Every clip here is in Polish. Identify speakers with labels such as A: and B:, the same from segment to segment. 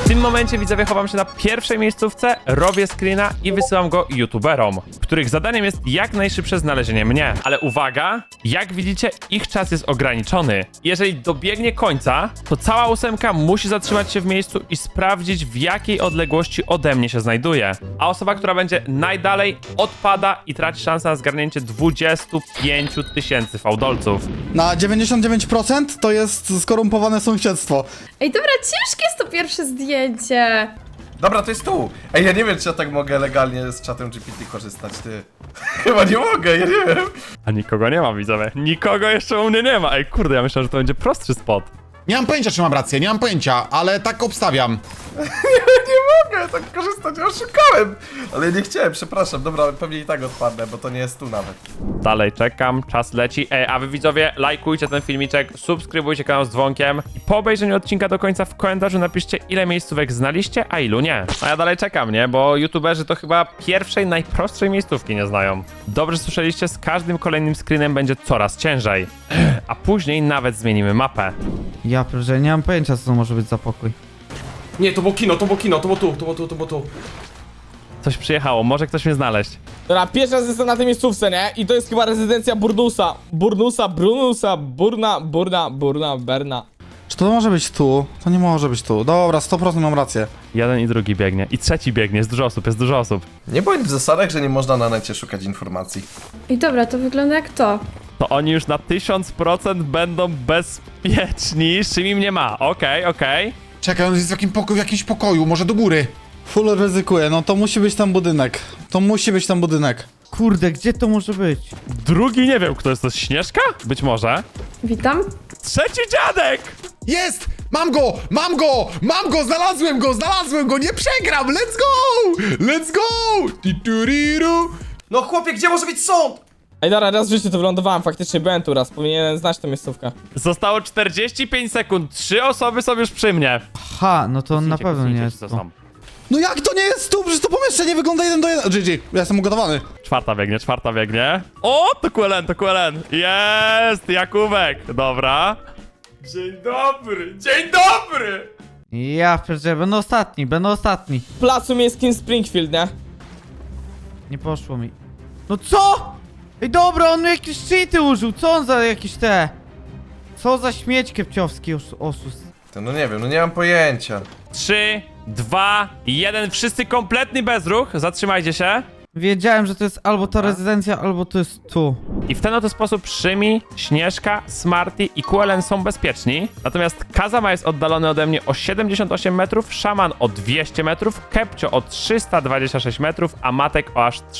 A: tym momencie widzowie chowam się na pierwszej miejscówce, robię screena i wysyłam go youtuberom, których zadaniem jest jak najszybsze znalezienie mnie. Ale uwaga, jak widzicie, ich czas jest ograniczony. Jeżeli dobiegnie końca, to cała ósemka musi zatrzymać się w miejscu i sprawdzić, w jakiej odległości ode mnie się znajduje. A osoba, która będzie najdalej, odpada i traci szansę na zgarnięcie 25 000 fałdolców.
B: Na 99% to jest skorumpowane sąsiedztwo.
C: Ej, dobra, ciężkie jest to pierwsze zdjęcie.
D: Dobra, to jest tu. Ej, ja nie wiem, czy ja tak mogę legalnie z czatem GPT korzystać, ty. Chyba nie mogę, ja nie wiem.
A: A nikogo nie ma, widzowie. Nikogo jeszcze u mnie nie ma. Ej, kurde, ja myślałem, że to będzie prostszy spot.
E: Nie mam pojęcia, czy mam rację, nie mam pojęcia, ale tak obstawiam.
D: Nie mogę tak korzystać, ja oszukałem. Ale nie chciałem, przepraszam. Dobra, pewnie i tak odpadnę, bo to nie jest tu nawet.
A: Dalej czekam, czas leci. Ej, a wy widzowie, lajkujcie ten filmiczek, subskrybujcie kanał z dzwonkiem i po obejrzeniu odcinka do końca w komentarzu napiszcie, ile miejscówek znaliście, a ilu nie. A ja dalej czekam, nie? Bo youtuberzy to chyba pierwszej, najprostszej miejscówki nie znają. Dobrze słyszeliście, z każdym kolejnym screenem będzie coraz ciężej. A później nawet zmienimy mapę.
F: Ja proszę, nie mam pojęcia, co to może być za pokój.
G: Nie, to było kino, to było kino, to było tu, to było tu, to było tu.
A: Coś przyjechało, może ktoś mnie znaleźć.
H: Dobra, pierwszy raz jestem na tej miejscówce, nie? I to jest chyba rezydencja Burnusa. Berna.
B: Czy to może być tu? To nie może być tu. Dobra, 100% mam rację.
A: Jeden i drugi biegnie. I trzeci biegnie, jest dużo osób, jest dużo osób.
D: Nie bądź w zasadach, że nie można na necie szukać informacji.
C: Ej, dobra, to wygląda jak to.
A: To oni już na 1000% będą bezpieczni, z czym im nie ma. Okej.
E: Czekaj, on jest w jakimś pokoju, może do góry.
B: Full ryzykuję, no to musi być tam budynek. To musi być tam budynek.
F: Kurde, gdzie to może być?
A: Drugi nie wiem, kto jest to, Śnieżka? Być może.
C: Witam.
A: Trzeci dziadek!
E: Jest! Mam go! Mam go! Mam go! Znalazłem go! Nie przegram! Let's go! Let's go! Tituriru!
G: No chłopie, gdzie może być sąd?
H: Ej, dobra, raz w życiu to wylądowałem, faktycznie byłem tu raz, powinienem znać tę miejscówkę.
A: Zostało 45 sekund, 3 osoby są już przy mnie.
F: Ha, no to on na
A: Kucnijcie,
F: pewno nie
A: kucnijcie,
F: jest
A: co
F: tu.
A: są.
B: No jak to nie jest tu? Przecież to pomieszczenie wygląda 1 do 1. GG, ja jestem ugotowany.
A: Czwarta biegnie. O, to QLN. Jest, Jakubek. Dobra.
G: Dzień dobry!
F: Ja proszę, będę ostatni.
H: W placu miejskim Springfield, nie?
F: Nie poszło mi. No co? Ej, dobra, on jakieś cheaty użył, co on za jakieś te... Co za śmieć kepciowski osus.
D: To no nie wiem, no nie mam pojęcia.
A: 3, 2, 1. Wszyscy kompletny bezruch. Zatrzymajcie się.
F: Wiedziałem, że to jest albo ta rezydencja, albo to jest tu.
A: I w ten oto sposób Szymi, Śnieżka, Smarty i QLN są bezpieczni. Natomiast Kazama jest oddalony ode mnie o 78 metrów, Szaman o 200 metrów, Kepcio o 326 metrów, a Matek o aż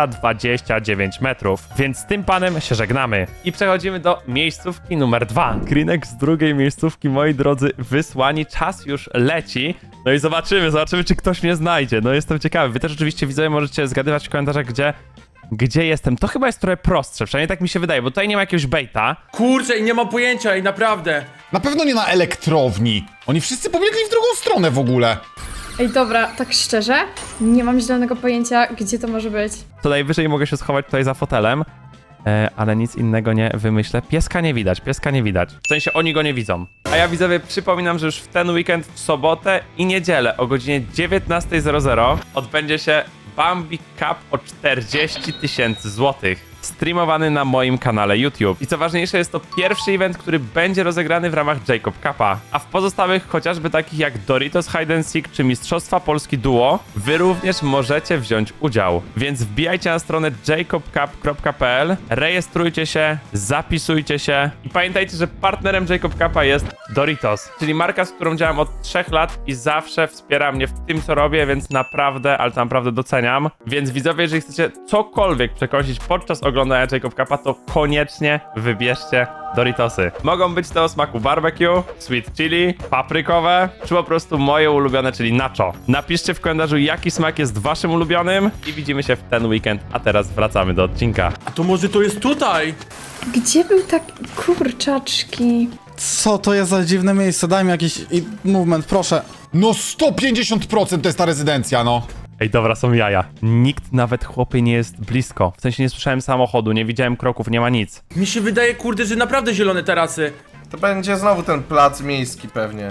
A: 329 metrów. Więc z tym panem się żegnamy. I przechodzimy do miejscówki numer 2. Screenek z drugiej miejscówki, moi drodzy, wysłani. Czas już leci. No i zobaczymy, czy ktoś mnie znajdzie. No jestem ciekawy. Wy też oczywiście widzowie możecie zgadywać w komentarzach, gdzie jestem. To chyba jest trochę prostsze, przynajmniej tak mi się wydaje, bo tutaj nie ma jakiegoś baita.
G: Kurczę, i nie mam pojęcia, i naprawdę.
E: Na pewno nie na elektrowni. Oni wszyscy pobiegli w drugą stronę w ogóle.
C: Ej, dobra, tak szczerze, nie mam zielonego pojęcia, gdzie to może być.
A: To najwyżej mogę się schować tutaj za fotelem, ale nic innego nie wymyślę. Pieska nie widać. W sensie oni go nie widzą. A ja widzowie przypominam, że już w ten weekend, w sobotę i niedzielę o godzinie 19:00 odbędzie się Bambi Cup o 40 000 złotych. Streamowany na moim kanale YouTube. I co ważniejsze, jest to pierwszy event, który będzie rozegrany w ramach Jacob Cupa. A w pozostałych, chociażby takich jak Doritos Hide and Seek czy Mistrzostwa Polski Duo, wy również możecie wziąć udział. Więc wbijajcie na stronę jacobcup.pl, rejestrujcie się, zapisujcie się i pamiętajcie, że partnerem Jacob Cupa jest Doritos, czyli marka, z którą działam od 3 lat i zawsze wspiera mnie w tym, co robię, więc naprawdę, ale to naprawdę doceniam. Więc widzowie, jeżeli chcecie cokolwiek przekąsić podczas oglądania Jacob Cupa, to koniecznie wybierzcie Doritosy. Mogą być te o smaku barbecue, sweet chili, paprykowe, czy po prostu moje ulubione, czyli nacho. Napiszcie w komentarzu, jaki smak jest waszym ulubionym i widzimy się w ten weekend, a teraz wracamy do odcinka.
G: A to może to jest tutaj?
C: Gdzie był taki... Kurczaczki.
B: Co to jest za dziwne miejsce? Daj mi jakiś movement, proszę.
E: No 150% to jest ta rezydencja, no.
A: Ej, dobra, są jaja. Nikt nawet, chłopie, nie jest blisko. W sensie nie słyszałem samochodu, nie widziałem kroków, nie ma nic.
G: Mi się wydaje, kurde, że naprawdę zielone tarasy.
D: To będzie znowu ten plac miejski pewnie.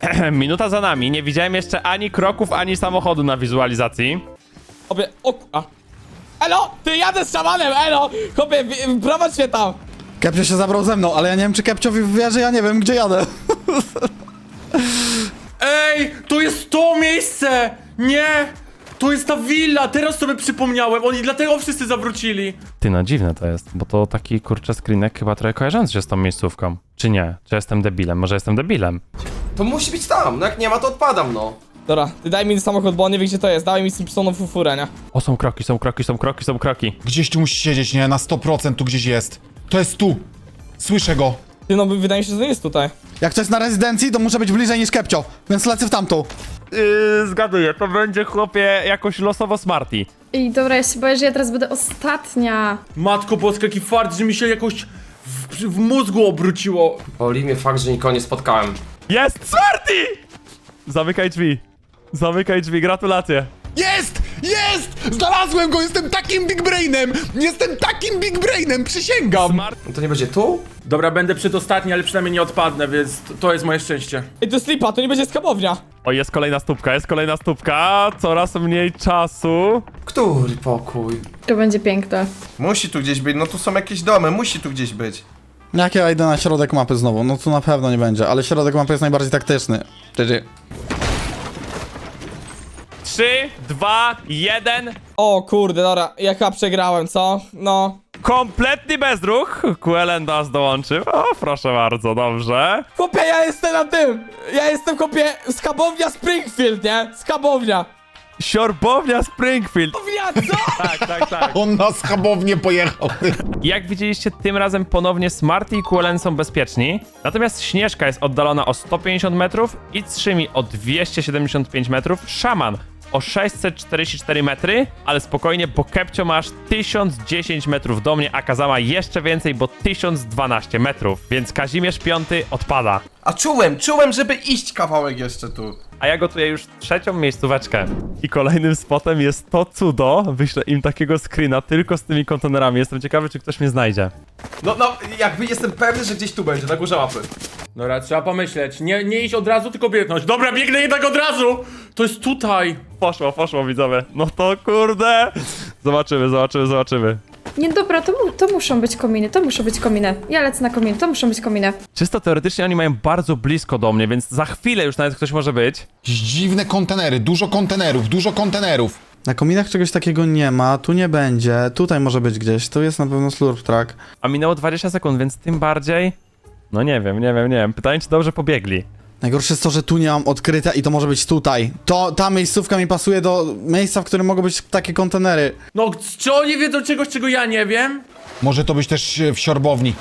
A: Minuta za nami, nie widziałem jeszcze ani kroków, ani samochodu na wizualizacji.
H: Chłopie, a. Elo, ty jadę z szamanem, elo! Chłopie, prowadź się tam!
B: Kepcio się zabrał ze mną, ale ja nie wiem, czy Kepciowi wierzy, ja nie wiem, gdzie jadę.
G: Ej, to jest to miejsce! Nie! To jest ta willa, teraz sobie przypomniałem, oni dlatego wszyscy zawrócili.
A: Ty, no dziwne to jest, bo to taki kurczę screenek chyba trochę kojarzący się z tą miejscówką. Czy nie? Czy jestem debilem? Może jestem debilem?
D: To musi być tam, no jak nie ma, to odpadam, no.
H: Dobra, ty daj mi samochód, bo on nie wie gdzie to jest. Dawaj mi Simpsoną fufurę, nie?
A: O, są kroki, są kroki, są kroki, są kroki.
E: Gdzieś tu musi siedzieć, nie? Na 100% tu gdzieś jest. To jest tu. Słyszę go.
H: Ty no, wydaje mi się, że to nie jest tutaj.
B: Jak to jest na rezydencji, to muszę być bliżej niż Kepcio, więc lecę w tamtą.
A: Zgaduję, to będzie chłopie jakoś losowo Smarty.
C: I dobra, ja się boję, że ja teraz będę ostatnia.
G: Matko boska, jaki fart, że mi się jakoś w mózgu obróciło.
D: Boli mnie fakt, że nikogo nie spotkałem.
A: Jest Smarty! Zamykaj drzwi. Zamykaj drzwi, gratulacje.
E: Jest! Jest! Znalazłem go! Jestem takim big brainem! Jestem takim big brainem, przysięgam!
A: Smart.
D: No to nie będzie tu?
G: Dobra, będę przedostatni, ale przynajmniej nie odpadnę, więc to jest moje szczęście.
H: Ej, to jest lipa, to nie będzie skabownia.
A: O, jest kolejna stópka, coraz mniej czasu.
D: Który pokój?
C: To będzie piękne.
D: Musi tu gdzieś być, no tu są jakieś domy, musi tu gdzieś być.
B: Jak ja idę na środek mapy znowu, no tu na pewno nie będzie, ale środek mapy jest najbardziej taktyczny. GG.
A: 3, 2, 1.
H: O kurde, dobra, ja chyba przegrałem, co? No.
A: Kompletny bezruch. QLN do nas dołączył. O, proszę bardzo, dobrze.
H: Chłopie, ja jestem na tym! Ja jestem, chłopie, skabownia Springfield, nie? Skabownia.
A: Siorbownia Springfield.
H: Skabownia, co?
A: Tak.
E: On na schabownię pojechał.
A: Jak widzieliście, tym razem ponownie Smarty i QLN są bezpieczni. Natomiast Śnieżka jest oddalona o 150 metrów, It's3mi o 275 metrów, Szaman o 644 metry, ale spokojnie, bo Kepcio ma aż 1010 metrów do mnie, a Kazama jeszcze więcej, bo 1012 metrów, więc Kazimierz V odpada.
D: A czułem, żeby iść kawałek jeszcze tu.
A: A ja gotuję już trzecią miejscóweczkę. I kolejnym spotem jest to cudo. Wyślę im takiego screena tylko z tymi kontenerami. Jestem ciekawy, czy ktoś mnie znajdzie.
D: No, jakby jestem pewny, że gdzieś tu będzie, na górze mapy.
G: Dobra, trzeba pomyśleć. Nie iść od razu, tylko biegnąć. Dobra, biegnę jednak od razu! To jest tutaj!
A: Poszło widzowie. No to kurde. Zobaczymy.
C: Nie, dobra, to muszą być kominy, to muszą być kominy. Ja lecę na kominy, to muszą być kominy.
A: Czysto teoretycznie oni mają bardzo blisko do mnie, więc za chwilę już nawet ktoś może być.
E: Jakieś dziwne kontenery, dużo kontenerów.
B: Na kominach czegoś takiego nie ma, tu nie będzie, tutaj może być gdzieś, tu jest na pewno slurp track.
A: A minęło 20 sekund, więc tym bardziej... No nie wiem. Pytanie, czy dobrze pobiegli.
B: Najgorsze jest to, że tu nie mam odkryte i to może być tutaj. Ta miejscówka mi pasuje do miejsca, w którym mogą być takie kontenery.
G: No, czy oni wiedzą czegoś, czego ja nie wiem?
E: Może to być też w siorbowni.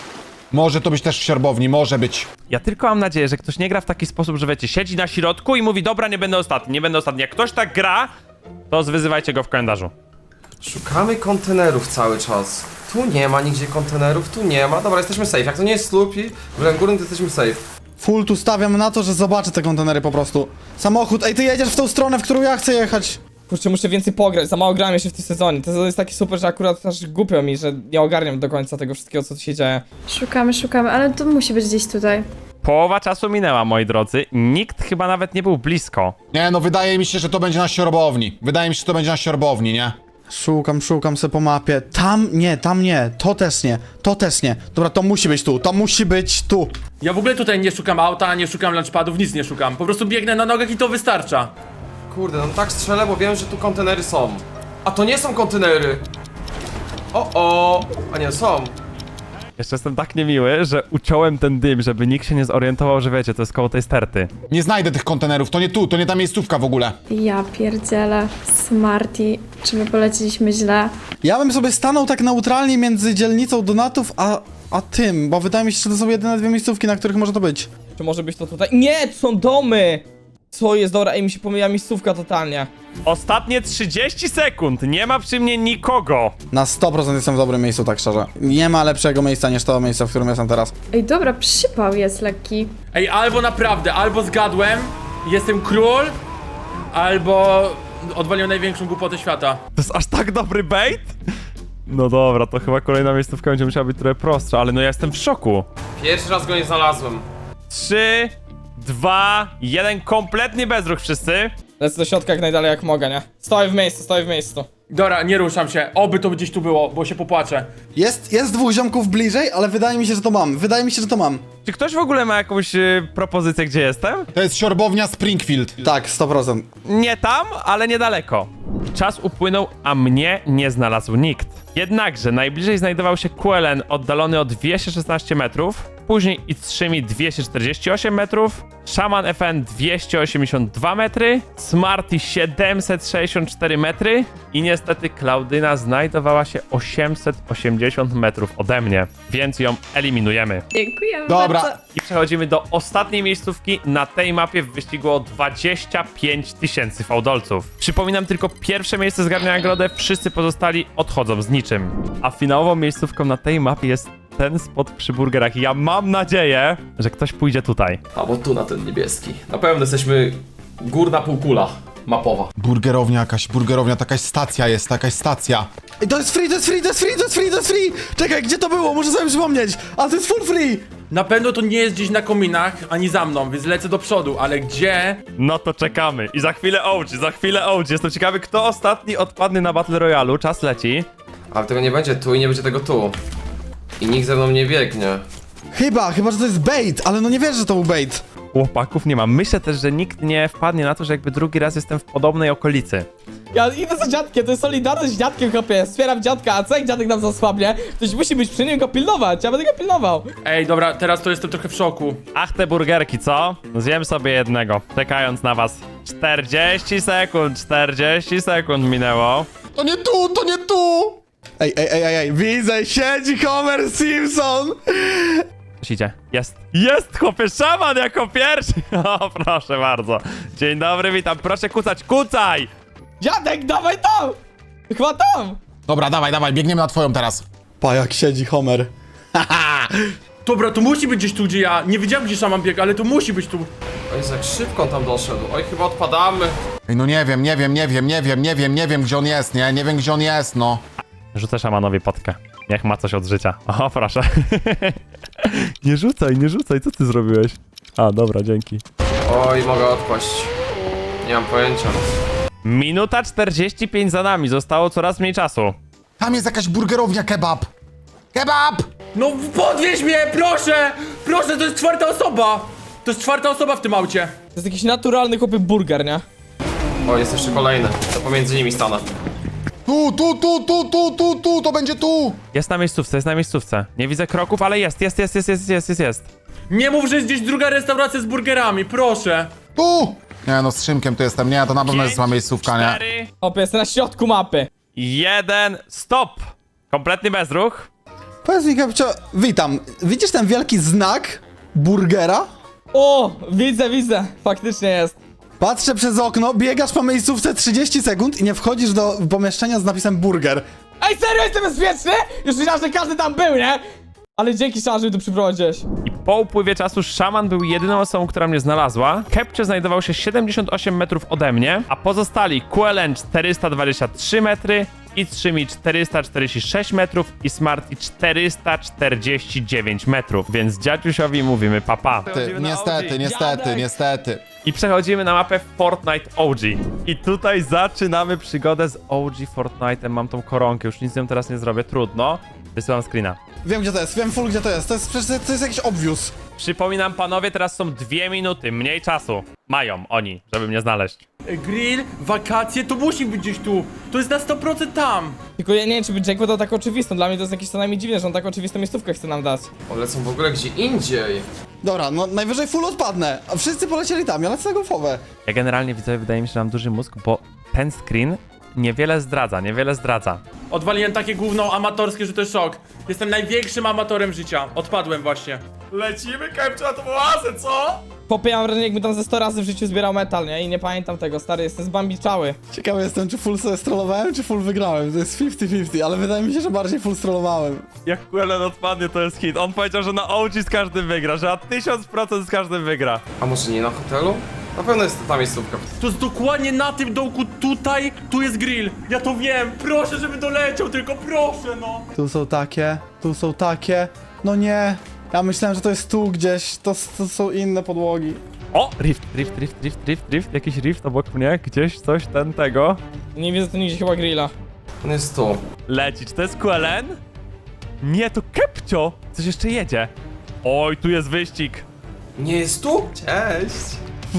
E: Może być.
A: Ja tylko mam nadzieję, że ktoś nie gra w taki sposób, że wiecie, siedzi na środku i mówi, dobra, nie będę ostatni. Jak ktoś tak gra, to zwyzywajcie go w kalendarzu.
D: Szukamy kontenerów cały czas. Tu nie ma nigdzie kontenerów, tu nie ma. Dobra, jesteśmy safe. Jak to nie jest slurp i w górnym, to jesteśmy safe.
B: Full tu stawiam na to, że zobaczę te kontenery po prostu. Samochód, ej, ty jedziesz w tą stronę, w którą ja chcę jechać.
H: Kurczę, muszę więcej pograć, za mało grałem jeszcze w tym sezonie. To jest taki super, że akurat aż głupio mi, że nie ogarniam do końca tego wszystkiego, co tu się dzieje.
C: Szukamy, ale to musi być gdzieś tutaj.
A: Połowa czasu minęła, moi drodzy. Nikt chyba nawet nie był blisko.
E: Nie, no wydaje mi się, że to będzie na siorbowni. Nie?
B: Szukam se po mapie. Tam nie, to też nie. Dobra, to musi być tu.
G: Ja w ogóle tutaj nie szukam auta, nie szukam lunchpadów, nic nie szukam. Po prostu biegnę na nogach i to wystarcza.
D: Kurde, no tak strzelę, bo wiem, że tu kontenery są. A to nie są kontenery! A nie, są.
A: Jeszcze jestem tak niemiły, że uciąłem ten dym, żeby nikt się nie zorientował, że wiecie, to jest koło tej sterty.
E: Nie znajdę tych kontenerów, to nie tu, to nie ta miejscówka w ogóle.
C: Ja pierdzielę. Smarty. Czy my poleciliśmy źle?
B: Ja bym sobie stanął tak neutralnie między dzielnicą Donatów a tym, bo wydaje mi się, że to są jedyne dwie miejscówki, na których może to być.
H: Czy może być to tutaj? Nie, to są domy! Co jest, dobra, ej, mi się pomyliła miejscówka totalnie.
A: Ostatnie 30 sekund, nie ma przy mnie nikogo.
B: Na 100% jestem w dobrym miejscu, tak szczerze. Nie ma lepszego miejsca niż to miejsce, w którym jestem teraz.
C: Ej, dobra, przypał jest lekki.
G: Ej, albo naprawdę, albo zgadłem, jestem król, albo odwaliłem największą głupotę świata.
A: To jest aż tak dobry bait? No dobra, to chyba kolejna miejscówka będzie musiała być trochę prostsza, ale no ja jestem w szoku.
D: Pierwszy raz go nie znalazłem.
A: 3, 2, 1, kompletnie bezruch wszyscy.
H: Lecę do środka jak najdalej jak mogę, nie? Stoję w miejscu.
G: Dobra, nie ruszam się. Oby to gdzieś tu było, bo się popłaczę.
B: Jest dwóch ziomków bliżej, ale wydaje mi się, że to mam.
A: Czy ktoś w ogóle ma jakąś propozycję, gdzie jestem?
E: To jest siorbownia Springfield.
B: Tak, 100%.
A: Nie tam, ale niedaleko. Czas upłynął, a mnie nie znalazł nikt. Jednakże najbliżej znajdował się QLN oddalony o 216 metrów, później i3 248 metrów, Shaman FN 282 metry, Smarty 764 metry i niestety Klaudyna znajdowała się 880 metrów ode mnie, więc ją eliminujemy.
C: Dziękujemy
E: Dobra.
C: bardzo.
A: I przechodzimy do ostatniej miejscówki na tej mapie w wyścigu o 25 000 fałdolców. Przypominam, tylko pierwsze miejsce zgarnia nagrodę, wszyscy pozostali odchodzą z niczym. A finałową miejscówką na tej mapie jest ten spot przy burgerach. Ja mam nadzieję, że ktoś pójdzie tutaj.
D: A bo tu na ten niebieski. Na pewno jesteśmy górna półkula mapowa.
E: Burgerownia, jakaś stacja jest, jakaś stacja.
B: Ej, to jest free! Czekaj, gdzie to było? Muszę sobie przypomnieć. Ale to jest full free!
G: Na pewno to nie jest gdzieś na kominach, ani za mną, więc lecę do przodu, ale gdzie?
A: No to czekamy. I za chwilę OG. Jestem ciekawy, kto ostatni odpadnie na Battle Royale. Czas leci.
D: Ale tego nie będzie tu i nie będzie tego tu. I nikt ze mną nie biegnie.
B: Chyba, że to jest bait, ale no nie wierzę, że to był bait.
A: Chłopaków nie ma. Myślę też, że nikt nie wpadnie na to, że jakby drugi raz jestem w podobnej okolicy.
H: Ja idę za dziadkiem, to jest solidarność z dziadkiem, chłopie. Wspieram dziadka, a co jak dziadek nam zasłabnie? Ktoś musi być przy nim go pilnować, ja będę go pilnował.
G: Ej, dobra, teraz to jestem trochę w szoku.
A: Ach, te burgerki, co? Zjem sobie jednego, czekając na was. 40 sekund minęło.
E: To nie tu!
B: Ej, widzę, siedzi Homer Simpson!
A: Coś idzie. Jest, chłopie, szaman jako pierwszy. O, proszę bardzo. Dzień dobry, witam. Proszę kucaj!
H: Dziadek, dawaj tam! Chyba tam!
E: Dobra, dawaj, biegniemy na twoją teraz.
B: Pa, jak siedzi Homer.
G: Dobra, to musi być gdzieś tu, gdzie ja. Nie wiedziałem, gdzie szaman biegł, ale to musi być tu.
D: Oj, jak szybko on tam doszedł. Oj, chyba odpadamy.
E: Ej, no nie wiem, gdzie on jest, nie? Nie wiem, gdzie on jest, no.
A: Rzucę szamanowi potkę. Niech ma coś od życia. O, proszę. Nie rzucaj, co ty zrobiłeś? A, dobra, dzięki.
D: Oj, mogę odpaść. Nie mam pojęcia.
A: Minuta 45 za nami, zostało coraz mniej czasu.
E: Tam jest jakaś burgerownia kebab. Kebab!
G: No podwieź mnie, proszę! Proszę, to jest czwarta osoba! To jest czwarta osoba w tym aucie.
H: To jest jakiś naturalny chłopy burger, nie?
D: O, jest jeszcze kolejny. To pomiędzy nimi stanę.
E: Tu, to będzie tu!
A: Jest na miejscówce. Nie widzę kroków, ale jest.
G: Nie mów, że jest gdzieś druga restauracja z burgerami, proszę.
E: Tu! Nie no, z Szymkiem tu jestem, nie, to na pewno jest zła miejscówka, nie?
A: 4,
H: Chłopie, jestem na środku mapy.
A: 1, stop! Kompletny bezruch.
B: Powiedz mi, Kapcio, witam. Widzisz ten wielki znak burgera?
H: O, widzę, faktycznie jest.
B: Patrzę przez okno, biegasz po miejscówce 30 sekund i nie wchodzisz do pomieszczenia z napisem burger.
H: Ej, serio, jestem bezpieczny? Już myślałem, że każdy tam był, nie? Ale dzięki Szaman, że mi tu przyprowadziłeś.
A: I po upływie czasu szaman był jedyną osobą, która mnie znalazła. Kepcio znajdował się 78 metrów ode mnie, a pozostali QLN 423 metry, i3 446 metrów i Smarty 449 metrów. Więc dziadziusiowi mówimy papa.
E: Niestety.
A: I przechodzimy na mapę Fortnite OG. I tutaj zaczynamy przygodę z OG Fortnite'em. Mam tą koronkę, już nic z nią teraz nie zrobię, trudno. Wysyłam screena.
B: Wiem gdzie to jest, wiem full gdzie to jest. To jest jakiś obvious.
A: Przypominam panowie, teraz są 2 minuty, mniej czasu. Mają oni, żeby mnie znaleźć.
G: Grill, wakacje, to musi być gdzieś tu. To jest na 100% tam.
H: Tylko ja nie wiem, czy by Jake wydał tak oczywistą. Dla mnie to jest jakieś co najmniej dziwne, że on tak oczywistą miejscówkę chce nam dać.
D: One lecą w ogóle gdzie indziej.
B: Dobra, no najwyżej full odpadnę. A wszyscy polecieli tam, ja lecę na golfowe.
A: Ja generalnie widzę, wydaje mi się, że mam duży mózg, bo ten screen niewiele zdradza.
G: Odwaliłem takie gówno amatorskie, że to jest szok. Jestem największym amatorem życia. Odpadłem właśnie. Lecimy, Kepcio, na tą oazę, co?
H: Chłopie, ja mam wrażenie, jakbym tam ze 100 razy w życiu zbierał metal, nie? I nie pamiętam tego, stary, jestem zbambiczały.
B: Ciekawy jestem, czy full sobie strollowałem, czy full wygrałem. To jest 50-50, ale wydaje mi się, że bardziej full strollowałem.
A: Jak QLN odpadnie, to jest hit. On powiedział, że na OG z każdym wygra, że na 1000% z każdym wygra.
D: A może nie na hotelu? Na pewno jest to ta miejscówka.
G: To jest dokładnie na tym dołku tutaj, tu jest grill. Ja to wiem, proszę, żeby doleciał, tylko proszę, no.
B: Tu są takie. No nie. Ja myślałem, że to jest tu gdzieś, to są inne podłogi.
A: O! Rift, jakiś rift obok mnie, gdzieś coś tego.
H: Nie widzę tu nigdzie chyba grilla.
D: On jest tu.
A: Leci, czy to jest QLN? Nie, to Kepcio! Coś jeszcze jedzie. Oj, tu jest wyścig.
D: Nie jest tu? Cześć.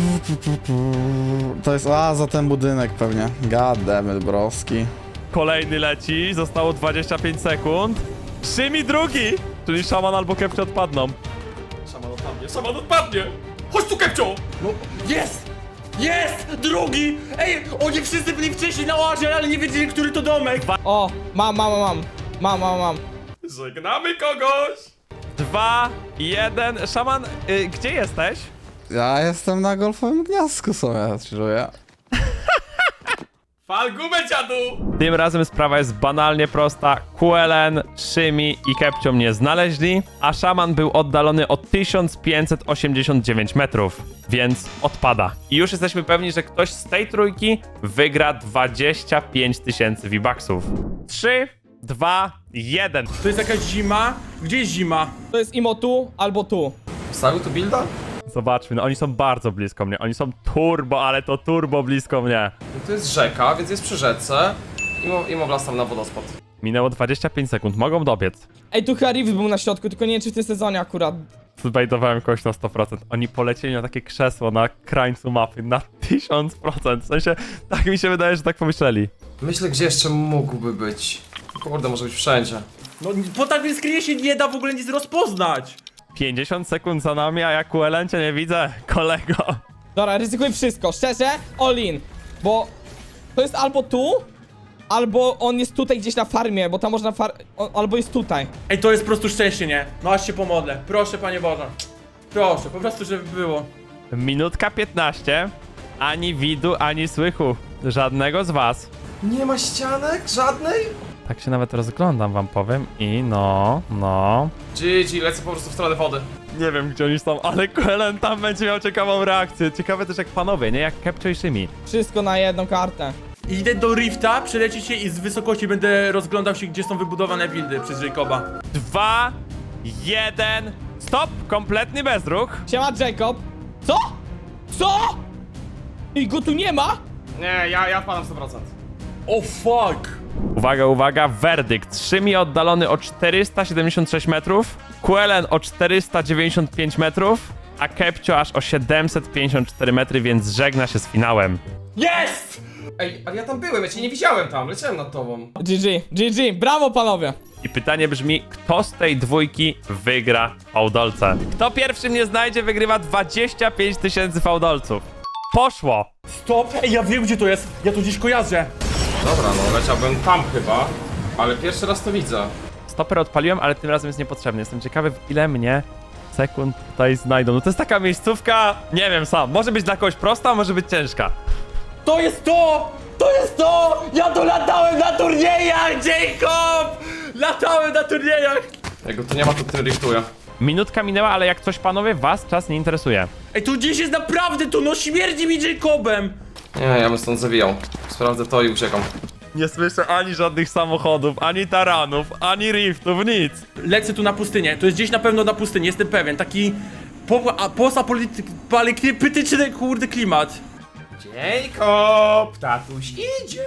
B: To jest za ten budynek pewnie. God damn it, broski.
A: Kolejny leci, zostało 25 sekund. Szymi drugi! Czyli szaman albo Kepcio odpadną.
G: Szaman odpadnie! Chodź tu, Kepcio! No, jest! Jest! Drugi! Ej, oni wszyscy byli wcześniej na oazie, ale nie wiedzieli, który to domek!
H: O, mam.
G: Żegnamy kogoś!
A: 2, 1. Szaman, gdzie jesteś?
B: Ja jestem na golfowym gniazdku sobie, czuję.
G: Fal gumę, dziadu!
A: Tym razem sprawa jest banalnie prosta. QLN, Szymi i Kepcio mnie znaleźli, a szaman był oddalony o 1589 metrów, więc odpada. I już jesteśmy pewni, że ktoś z tej trójki wygra 25 000 V-Bucksów. 3, 2, 1.
G: To jest jakaś zima? Gdzie jest zima?
H: To jest imo tu albo tu.
D: Wstawił tu builda?
A: Zobaczmy, no oni są bardzo blisko mnie. Oni są turbo, ale to turbo blisko mnie.
D: No to jest rzeka, więc jest przy rzece. I wlazł tam na wodospad.
A: Minęło 25 sekund, mogą dobiec.
H: Ej, tu chyba Rift był na środku, tylko nie wiem czy w tym sezonie akurat.
A: Zbaitowałem kogoś na 100%. Oni polecieli na takie krzesło na krańcu mapy na 1000%. W sensie, tak mi się wydaje, że tak pomyśleli.
D: Myślę, gdzie jeszcze mógłby być. Kurde, może być wszędzie.
G: No, po takim screenie się nie da w ogóle nic rozpoznać!
A: 50 sekund za nami, a ja QLN cię nie widzę, kolego.
H: Dobra, ryzykuj wszystko, szczerze, all in. Bo to jest albo tu, albo on jest tutaj gdzieś na farmie, bo tam można albo jest tutaj.
G: Ej, to jest po prostu szczęście, nie? No aż się pomodlę. Proszę, Panie Boże. Proszę, po prostu, żeby było.
A: Minutka 15. Ani widu, ani słychu. Żadnego z was.
D: Nie ma ścianek? Żadnej?
A: Tak się nawet rozglądam, wam powiem. I no.
D: GG, lecę po prostu w stronę wody.
A: Nie wiem, gdzie oni są, ale QLN tam będzie miał ciekawą reakcję. Ciekawe też jak panowie, nie? Jak Kepcio i Szymi.
H: Wszystko na jedną kartę.
G: Idę do Rifta, przelecieć się i z wysokości będę rozglądał się, gdzie są wybudowane buildy przez Jacoba.
A: 2, 1. Stop! Kompletny bezruch.
H: Siema Jacob. Co? Co? I go tu nie ma?
D: Nie, ja wpadam 100%.
G: O fuck!
A: Uwaga, werdykt. Szymi oddalony o 476 metrów, QLN o 495 metrów, a Kepcio aż o 754 metry, więc żegna się z finałem.
G: Jest!
D: Ej, ale ja tam byłem, ja cię nie widziałem tam, leciałem nad tobą.
H: GG, brawo panowie.
A: I pytanie brzmi, kto z tej dwójki wygra fałdolce? Kto pierwszy mnie znajdzie, wygrywa 25 000 fałdolców. Poszło!
G: Stop! Ej, ja wiem, gdzie to jest! Ja to gdzieś kojarzę!
D: Dobra, no leciałbym tam chyba, ale pierwszy raz to widzę.
A: Stoper odpaliłem, ale tym razem jest niepotrzebny. Jestem ciekawy, w ile mnie sekund tutaj znajdą. No to jest taka miejscówka, nie wiem sam. Może być dla kogoś prosta, może być ciężka.
G: To jest to! To jest to! Ja tu latałem na turniejach, Jacob! Latałem na turniejach!
D: Jak go tu nie ma, to tym riftuję.
A: Minutka minęła, ale jak coś panowie, was czas nie interesuje.
G: Ej, tu gdzieś jest naprawdę tu, no śmierdzi mi Jacobem!
D: Nie, ja bym stąd zawijał. Sprawdzę to i uciekam.
A: Nie słyszę ani żadnych samochodów, ani taranów, ani riftów, nic.
G: Lecę tu na pustynię, to jest gdzieś na pewno na pustyni, jestem pewien, taki postapolityczny, kurde, klimat.
D: Jacob, tatuś idzie.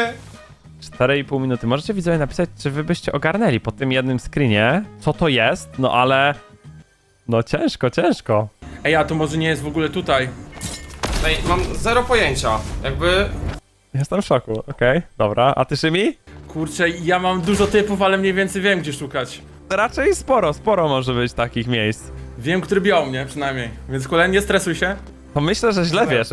A: 4,5 minuty. Możecie widzowie napisać, czy wy byście ogarnęli po tym jednym screenie, co to jest, no ale... No ciężko.
G: Ej, a to może nie jest w ogóle tutaj.
D: Ej, mam zero pojęcia. Jakby...
A: Jestem w szoku, okej, dobra. A ty, Szymi?
G: Kurczę, ja mam dużo typów, ale mniej więcej wiem, gdzie szukać.
A: Raczej sporo może być takich miejsc.
G: Wiem, który biał mnie, przynajmniej. Więc kolejny, nie stresuj się.
A: To myślę, że źle wiesz?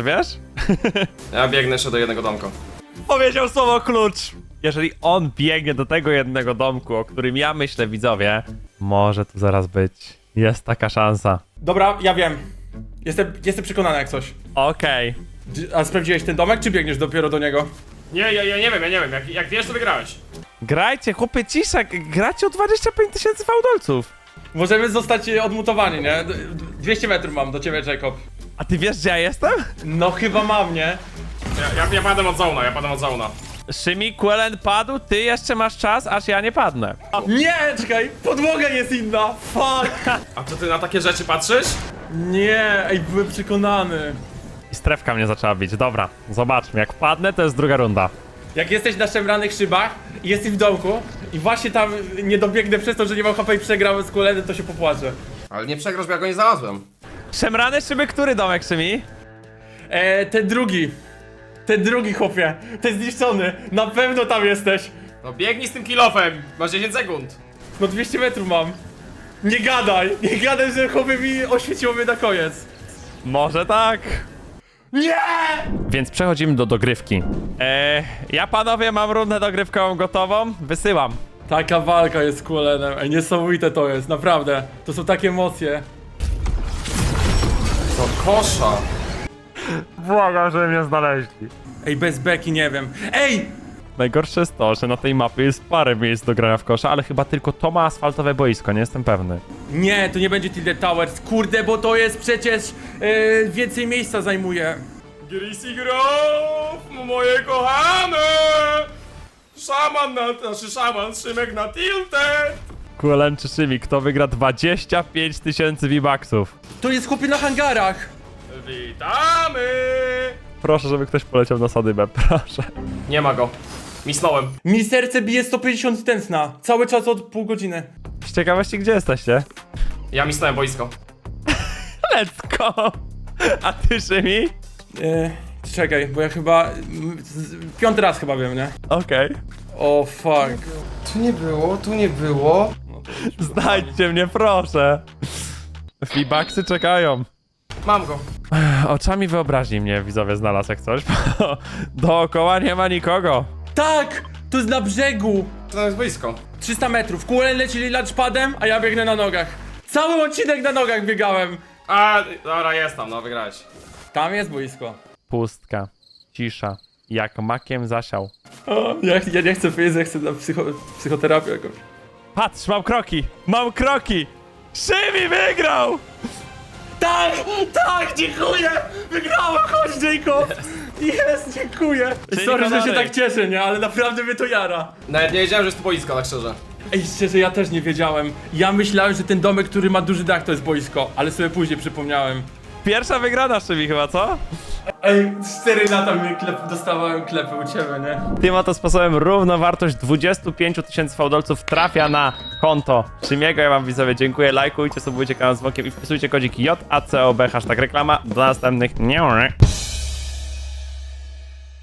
D: Ja biegnę jeszcze do jednego domka.
A: Powiedział słowo klucz. Jeżeli on biegnie do tego jednego domku, o którym ja myślę, widzowie, może tu zaraz być. Jest taka szansa.
G: Dobra, ja wiem. Jestem przekonany jak coś.
A: Okej.
G: A sprawdziłeś ten domek, czy biegniesz dopiero do niego?
D: Nie, ja nie wiem. Jak wiesz, to wygrałeś.
A: Grajcie, chłopie, cisza. Gracie o 25 000 fałdolców.
G: Możemy zostać odmutowani, nie? 200 metrów mam do ciebie, Jacob.
A: A ty wiesz, gdzie ja jestem?
G: No chyba mam, nie?
D: Ja padam od zona,
A: Szymi, QLN padł, ty jeszcze masz czas, aż ja nie padnę.
G: Nie, czekaj, podłoga jest inna. Fuck.
D: A to ty na takie rzeczy patrzysz?
G: Nie, ej, byłem przekonany.
A: I strefka mnie zaczęła bić. Dobra, zobaczmy. Jak padnę, to jest druga runda.
G: Jak jesteś na szemranych szybach i jesteś w domku i właśnie tam nie dobiegnę przez to, że nie mam HP i przegrałem z Kulenem, to się popłaczę.
D: Ale nie przegrasz, bo ja go nie znalazłem.
A: Szemrane szyby, który domek, Szymi?
G: Ten drugi. Ten drugi, chłopie. Ten zniszczony. Na pewno tam jesteś.
D: No biegnij z tym kilofem, masz 10 sekund.
G: No 200 metrów mam. Nie gadaj, że chłopie mi oświeciło mnie na koniec.
A: Może tak.
G: Nie!
A: Więc przechodzimy do dogrywki. Ja, panowie, mam rundę dogrywkową gotową. Wysyłam.
G: Taka walka jest z Kulenem. Ej, niesamowite to jest, naprawdę. To są takie emocje.
D: To kosza.
A: Błagam, żeby mnie znaleźli.
G: Ej, bez beki nie wiem. Ej!
A: Najgorsze jest to, że na tej mapie jest parę miejsc do grania w kosza, ale chyba tylko to ma asfaltowe boisko, nie jestem pewny.
G: Nie, to nie będzie Tilted Towers. Kurde, bo to jest przecież więcej miejsca zajmuje.
D: Greasy Grove, moje kochane! Szaman, Szymek na tilted!
A: Kulen czy Szymi, kto wygra 25 000 V-Bucksów?
G: To jest chłopie na hangarach.
D: Witamy!
A: Proszę, żeby ktoś poleciał na sadybę, proszę.
D: Nie ma go. Misnąłem.
G: Mi serce bije 150 tętna. Cały czas od pół godziny.
A: Z ciekawości, gdzie jesteście?
D: Ja misnąłem boisko.
A: Let's go! A ty, Szymi?
G: Czekaj, bo ja chyba... piąty raz chyba wiem, nie?
A: Okej.
G: O fuck.
D: Tu nie było.
A: Znajdźcie mnie, proszę. V-Bucksy czekają.
D: Mam go.
A: Oczami wyobraźni mnie widzowie znalazł jak coś, bo dookoła nie ma nikogo.
G: Tak! To jest na brzegu.
D: To tam jest boisko.
G: 300 metrów. Kulen leci lunchpadem, a ja biegnę na nogach. Cały odcinek na nogach biegałem.
D: A, dobra, jest tam, no wygrałeś.
G: Tam jest boisko.
A: Pustka, cisza, jak makiem zasiał.
G: O, ja nie chcę powiedzieć, ja chcę na psychoterapię jakąś.
A: Patrz, mam kroki! Mam kroki! Szymi wygrał!
G: Tak! Tak! Dziękuję! Wygrałem! Chodź, Jacob! Jest, dziękuję! Sorry, że się tak cieszę, nie? Ale naprawdę mnie to jara.
D: Nawet nie wiedziałem, że jest tu boisko, tak szczerze.
G: Ej, szczerze, ja też nie wiedziałem. Ja myślałem, że ten domek, który ma duży dach, to jest boisko, ale sobie później przypomniałem.
A: Pierwsza wygrana Szymi chyba, co?
G: Ej, 4 lata mnie dostawałem klepy u ciebie, nie?
A: Tym oto sposobem równowartość 25 000 fałdolców trafia na konto Szymiego. Ja wam widzowie dziękuję, lajkujcie, subujcie kanał z dzwonkiem i wpisujcie kodzik JACOB, hashtag reklama. Do następnych. Nie.